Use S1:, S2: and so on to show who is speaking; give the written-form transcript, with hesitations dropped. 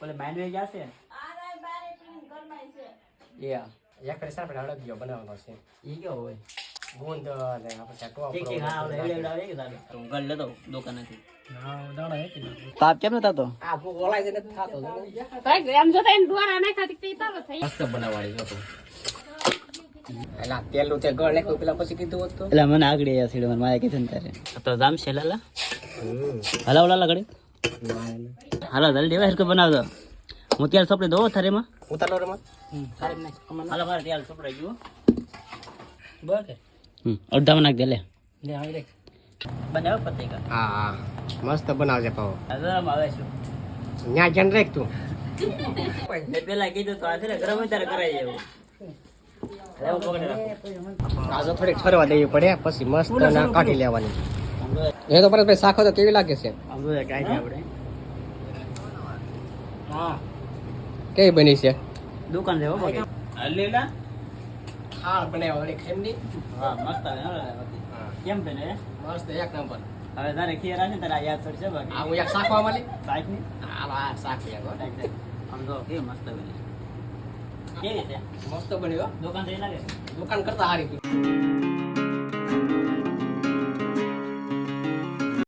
S1: ઓલે બાંધવે જશે
S2: એક કરી સાપડે હળદિયો બનાવવાનો છે
S1: ઈ કયો હોય
S2: ગુંદ ને આપણે ટોપરો
S1: ઠીક ઠીક હા ઓલે એવડે આવે કે દાદા હું ઘર લેતો દુકાનેથી
S2: હા દાણા હે કે
S1: તાપ કેમ નતા તો
S2: આ ભૂખ ઓલાય છે ને થાતો
S3: આમ જોતા એને દ્વારા નાખા તે તારો થઈ
S2: મસ્ત બનાવવાની હતો એલા તેલું તે ગળ નાખ્યું પેલા પછી કીધું હોત તો
S1: એટલે મને આગળ યા સીડે મને માયા કીધું ને તારે તો જામ છે લાલા હલા ઓલા લગડી હાલો જલ્દી હવે હરકો બનાવ દો હું તેલ સપડી દો થારેમાં
S2: ઉતારો રે માં
S1: હાલો મારે તેલ સપડાઈ ગયું બરાબર અડધામાં નાખ દે લે
S2: લે આવી રે
S1: બનાવ પતેકા
S2: હા હા મસ્ત બનાવજે પાવ
S1: હજામ આવે છે
S2: ન્યા જન રેખ તું
S1: મેં પેલા કીધું તો આ છે ને ગરમ ત્યારે કરાઈ જેવું લેવું પકડી રાખો
S2: આજો થોડીક ઠરવા દેવી પડે પછી મસ્ત ના કાઢી લેવાની એ તો પરત ભાઈ શાખો તો કેવી લાગે છે
S1: આમ તો કાઈ આપણે હા
S2: કેવી બની છે
S1: દુકાન છે હો બાકી હલેલા
S2: ખાળ બનાવ્યો ઓલી ખેમની
S1: હા મસ્ત આવે કેમ છે ને
S2: મસ્ત એક નંબર
S1: હવે તારે ખીર હશે ને તારે યાદ પડશે બાકી
S2: આ હું એક શાખવા મળી
S1: સાઈડ ની
S2: આ શાક યાર
S1: આમ તો કેવી મસ્ત બની કેવી છે
S2: મસ્ત બન્યો
S1: દુકાન થઈ લાગે
S2: દુકાન કરતા હારી